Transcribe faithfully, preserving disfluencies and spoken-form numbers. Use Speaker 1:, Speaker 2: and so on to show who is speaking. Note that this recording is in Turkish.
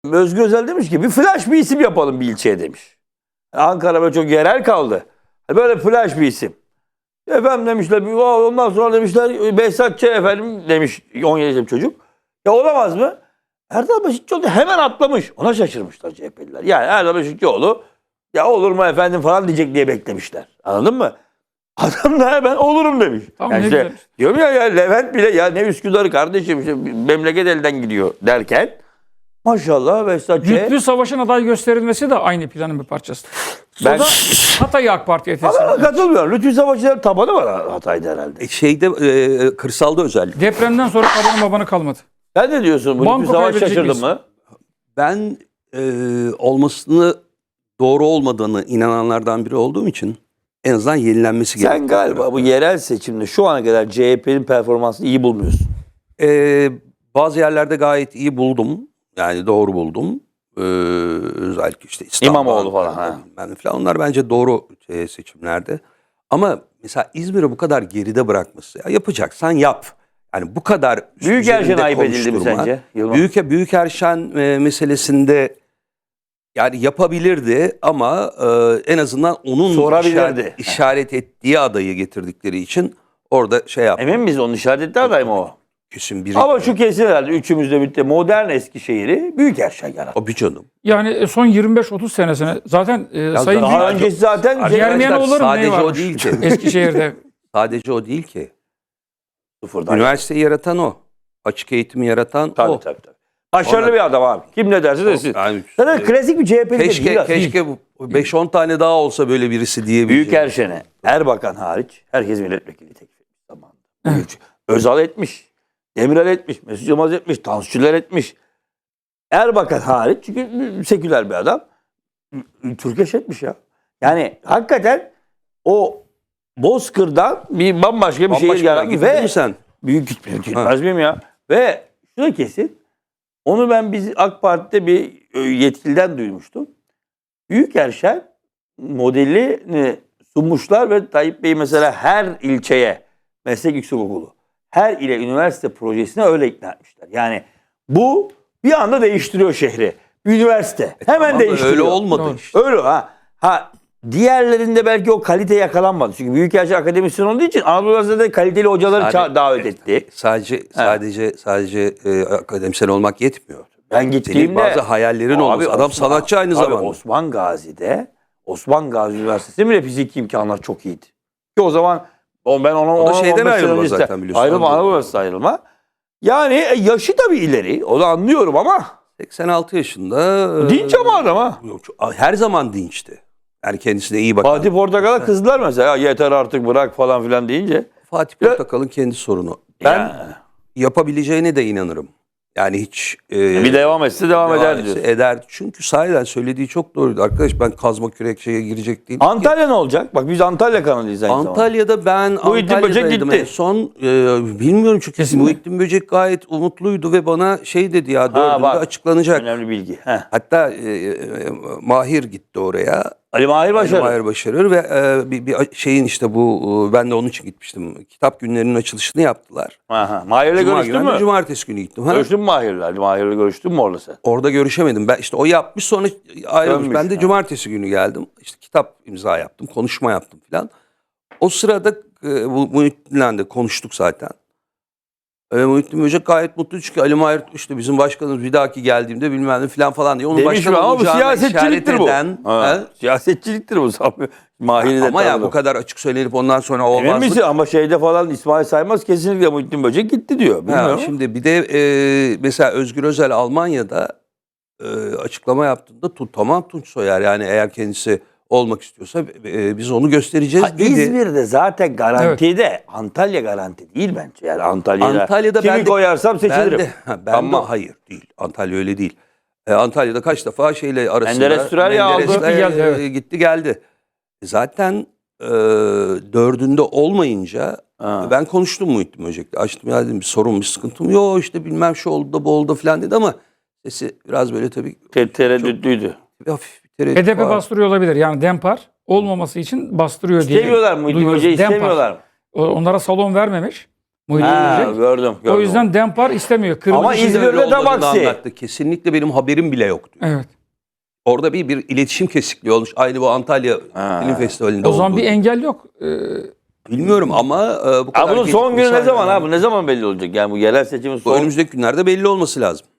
Speaker 1: Özgür Özel demiş ki bir flash bir isim yapalım bir ilçeye demiş. Ankara böyle çok yerel kaldı. Böyle flash bir isim. Efendim demişler, ondan sonra demişler Behzat Ç. efendim demiş on yedi yaşında çocuk. Ya olamaz mı? Erdal Beşikçioğlu hemen atlamış. Ona şaşırmışlar C H P'liler. Yani Erdal Beşikçioğlu ya olur mu efendim falan diyecek diye beklemişler. Anladın mı? Adam da hemen olurum demiş.
Speaker 2: Tamam,
Speaker 1: yani
Speaker 2: ne
Speaker 1: işte,
Speaker 2: güzel.
Speaker 1: diyorum ya, ya Levent bile ya ne Üsküdar'ı kardeşim işte, memleket elden gidiyor derken maşallah Behzat Ç.
Speaker 2: Lütfü Savaş'ın aday gösterilmesi de aynı planın bir parçası.
Speaker 1: Ben-
Speaker 2: Ben... Hatay'ı AK Parti'ye teslim
Speaker 1: Ama
Speaker 2: etmiş.
Speaker 1: katılmıyorum. Lütfü Savaşçılar tabanı var Hatay'da herhalde.
Speaker 3: E, Şeyde e, kırsalda özellikle.
Speaker 2: Depremden sonra babanın babanı kalmadı.
Speaker 1: Sen ne diyorsun? Bu
Speaker 2: Banko
Speaker 1: Lütfü Savaş
Speaker 2: kaybedecek
Speaker 1: şaşırdın
Speaker 2: miyiz?
Speaker 1: mı?
Speaker 3: Ben e, olmasını doğru olmadığını inananlardan biri olduğum için en azından yenilenmesi gerekiyor.
Speaker 1: Sen galiba bu yerel seçimde şu ana kadar C H P'nin performansını iyi bulmuyorsun.
Speaker 3: E, bazı yerlerde gayet iyi buldum. Yani doğru buldum. E, özellikle işte İstanbul,
Speaker 1: İmamoğlu falan, ha.
Speaker 3: bilmem ne falan. Onlar bence doğru e, seçimlerde. Ama mesela İzmir'i bu kadar geride bırakması. Ya yapacaksan yap. Yani bu kadar
Speaker 1: Büyükerşen
Speaker 3: üzerinde
Speaker 1: ayıp edildi mi
Speaker 3: konuşturma.
Speaker 1: sence? Yılmaz?
Speaker 3: Büyük Büyükerşen e, meselesinde yani yapabilirdi ama e, en azından onun
Speaker 1: Sorabilirdi.
Speaker 3: işaret, işaret ettiği adayı getirdikleri için orada şey yaptı.
Speaker 1: Emin miyiz onun işaret ettiği aday mı o?
Speaker 3: Kesin biri.
Speaker 1: Ama şu kesin herhalde üçümüz de birlikte modern Eskişehir'i Büyükerşen yarattı.
Speaker 3: O bir canım.
Speaker 2: Yani son yirmi beş otuz senesine zaten e, Sayın
Speaker 1: Daha
Speaker 2: Büyük...
Speaker 1: öncesi zaten
Speaker 3: Arkadaşlar,
Speaker 2: Germiyanoğulları mı
Speaker 3: sadece
Speaker 2: ne
Speaker 3: o
Speaker 2: varmış?
Speaker 3: değil ki.
Speaker 2: Eskişehir'de.
Speaker 3: Sadece o değil ki.
Speaker 1: sıfırdan.
Speaker 3: Üniversiteyi yaratan o. Açık eğitimi yaratan
Speaker 1: Tabii
Speaker 3: o.
Speaker 1: tabii tabii. Başarılı
Speaker 3: Ona-
Speaker 1: bir adam abi. Kim ne derse desin.
Speaker 3: Yani,
Speaker 1: Zaten
Speaker 3: e,
Speaker 1: klasik bir C H P'li de
Speaker 3: keşke
Speaker 1: değil.
Speaker 3: keşke beş on tane daha olsa böyle birisi diyebileceğim.
Speaker 1: Büyükerşen'e Erbakan hariç herkes milletvekili teklif etmiş zamanında. Özal etmiş. Demirel etmiş. Mesut Yılmaz etmiş. Tansu Çiller etmiş. Erbakan hariç çünkü seküler bir adam. Türkeş etmiş ya. Yani hakikaten o Bozkır'dan bir bambaşka bir şehir
Speaker 3: Bambaşka
Speaker 1: yaratmış
Speaker 3: gittin
Speaker 1: ve
Speaker 3: mi sen?
Speaker 1: büyük gitmiyor. Gitmez miyim ya? Ve şu da kesin. Onu ben biz AK Parti'de bir yetkiliden duymuştum. Büyükerşen modelini sunmuşlar ve Tayyip Bey mesela her ilçeye meslek yüksekokulu, her ile üniversite projesine öyle ikna etmişler. Yani bu bir anda değiştiriyor şehri. Bir üniversite. Hemen
Speaker 3: Ama
Speaker 1: değiştiriyor.
Speaker 3: öyle olmadı
Speaker 2: Doğru.
Speaker 3: işte.
Speaker 1: Öyle ha. Ha diğerlerinde belki o kalite yakalanmadı. Çünkü Büyükelçi akademisyen olduğu için Anadolu Üniversitesi'nde kaliteli hocaları
Speaker 3: Sadece-
Speaker 1: ça- davet etti.
Speaker 3: Sadece sadece sadece e, akademisyen olmak yetmiyor.
Speaker 1: Ben
Speaker 3: Senin
Speaker 1: gittiğimde
Speaker 3: bazı hayallerin
Speaker 1: Abi
Speaker 3: olması. Adam
Speaker 1: Osman-
Speaker 3: sanatçı aynı
Speaker 1: abi
Speaker 3: zamanda.
Speaker 1: Osman Gazi'de Osman Gazi Üniversitesi'nde bile fiziki imkanlar çok iyiydi. Ki o zaman o ben ona
Speaker 3: O da
Speaker 1: ona
Speaker 3: şeyden
Speaker 1: on beş yıl
Speaker 3: ayrılma
Speaker 1: öncesi-
Speaker 3: zaten biliyorsun.
Speaker 1: Ayrılma,
Speaker 3: Anadolu.
Speaker 1: Anadolu Üniversitesi ayrılma. Yani e, yaşı tabii ileri. Onu anlıyorum ama
Speaker 3: seksen altı yaşında. e,
Speaker 1: dinç ama adam ha.
Speaker 3: yok, çok- her zaman dinçti. Yani kendisine iyi bakan.
Speaker 1: Fatih Portakal'a kızdılar mesela. Ya yeter artık bırak falan filan deyince.
Speaker 3: Fatih Portakal'ın kendi sorunu. Ben
Speaker 1: Ya,
Speaker 3: yapabileceğine de inanırım. Yani hiç e,
Speaker 1: bir devam etse devam eder
Speaker 3: etse
Speaker 1: diyorsun.
Speaker 3: eder. Çünkü sahiden söylediği çok doğruydu. Arkadaş ben kazma kürek şeye girecek değilim.
Speaker 1: Antalya ne olacak? Bak biz Antalya kanalıyız aynı zamanda.
Speaker 3: Antalya'da ben
Speaker 1: Muhittin Böcek
Speaker 3: Antalya'daydım
Speaker 1: gitti.
Speaker 3: en son. E, bilmiyorum çünkü
Speaker 2: Kesin mi?
Speaker 3: Muhittin Böcek gayet umutluydu ve bana şey dedi ya dördünde
Speaker 1: bak.
Speaker 3: açıklanacak.
Speaker 1: Önemli bilgi. Heh.
Speaker 3: Hatta e, e, Mahir gitti oraya.
Speaker 1: Ali Mahir Başarı.
Speaker 3: Mahir Başarır ve e, bir, bir şeyin işte bu e, ben de onun için gitmiştim. Kitap günlerinin açılışını yaptılar.
Speaker 1: Aha. Mahir'le
Speaker 3: Cuma
Speaker 1: görüştün
Speaker 3: günü, ben de
Speaker 1: mü?
Speaker 3: Cumartesi günü gittim. Ha?
Speaker 1: Görüştün mü Mahir'le? Ali Mahir'le görüştün mü orada sen?
Speaker 3: Orada görüşemedim. Ben işte o yapmış sonra ayrılmış.
Speaker 1: Dönmüş,
Speaker 3: Ben de
Speaker 1: ha.
Speaker 3: cumartesi günü geldim. İşte kitap imza yaptım, konuşma yaptım filan. O sırada e, bu Muhittin'le de konuştuk zaten. E, Muhittin Böcek gayet mutlu çünkü Ali Mahir işte bizim başkanımız bir dahaki geldiğimde bilmem ne filan falan diye. Onun
Speaker 1: Demiş
Speaker 3: başkan
Speaker 1: mi? Ama bu
Speaker 3: olacağına
Speaker 1: siyasetçiliktir bu.
Speaker 3: işaret eden,
Speaker 1: Ha,
Speaker 3: ha?
Speaker 1: siyasetçiliktir bu. Mahir'i de
Speaker 3: Ama ya
Speaker 1: tanıdım.
Speaker 3: bu kadar açık söylenip ondan sonra
Speaker 1: Emin
Speaker 3: olmaz.
Speaker 1: misin? Ama şeyde falan İsmail Saymaz kesinlikle Muhittin Böcek gitti diyor.
Speaker 3: Ha,
Speaker 1: Bilmiyorum.
Speaker 3: şimdi bir de e, mesela Özgür Özel Almanya'da e, açıklama yaptığında tu, tamam Tunç Soyer yani eğer kendisi olmak istiyorsa e, biz onu göstereceğiz
Speaker 1: Ha,
Speaker 3: dedi.
Speaker 1: İzmir'de zaten garantide. Antalya garanti değil bence. Yani Antalya'da,
Speaker 3: Antalya'da
Speaker 1: kimi
Speaker 3: ben de,
Speaker 1: koyarsam seçilirim.
Speaker 3: Ben de, ha, ben
Speaker 1: Ama
Speaker 3: de hayır değil. Antalya öyle değil. E, Antalya'da kaç defa şeyle arasında
Speaker 1: Menderes Sürerya aldı.
Speaker 3: Menderes'le,
Speaker 2: Gitti geldi,
Speaker 3: e,
Speaker 2: evet.
Speaker 3: gitti geldi. Zaten e, dördünde olmayınca
Speaker 1: Ha.
Speaker 3: ben konuştum Muhittin Böcek'le. Açtım ya dedim bir sorun bir sıkıntım yok işte bilmem şu oldu da bu oldu da falan dedi ama sesi biraz böyle tabii
Speaker 1: Te- tereddütlüydü.
Speaker 3: hafif bir tereddüt
Speaker 2: H D P
Speaker 3: var.
Speaker 2: bastırıyor olabilir. Yani Dempar olmaması için bastırıyor diye.
Speaker 1: İstemiyorlar mı? Muhittin
Speaker 2: duyuyoruz.
Speaker 1: Böcek'i
Speaker 2: Dempar.
Speaker 1: istemiyorlar mı?
Speaker 2: O- Onlara salon vermemiş. Muhittin
Speaker 1: Ha,
Speaker 2: Böcek.
Speaker 1: gördüm, gördüm.
Speaker 2: O yüzden Dempar istemiyor. Kırmızı
Speaker 1: Ama
Speaker 2: çizgi-
Speaker 1: İzmir'de
Speaker 3: Öyle
Speaker 1: de
Speaker 3: olmadığını
Speaker 1: Baksi.
Speaker 3: anlattı. Kesinlikle benim haberim bile yoktu.
Speaker 2: Evet.
Speaker 3: Orada bir, bir iletişim kesikliği olmuş. Aynı bu Antalya
Speaker 1: Ha.
Speaker 3: Film Festivali'nde
Speaker 2: O zaman
Speaker 3: olduğu
Speaker 2: bir
Speaker 3: gibi.
Speaker 2: engel yok. Ee,
Speaker 3: Bilmiyorum ama e, bu kadar
Speaker 1: Ha, bunun son günü
Speaker 3: gecikmesi
Speaker 1: ne zaman
Speaker 3: hala-
Speaker 1: abi? Ne zaman belli olacak? Yani bu yerel seçimin
Speaker 3: Bu
Speaker 1: son...
Speaker 3: önümüzdeki günlerde belli olması lazım.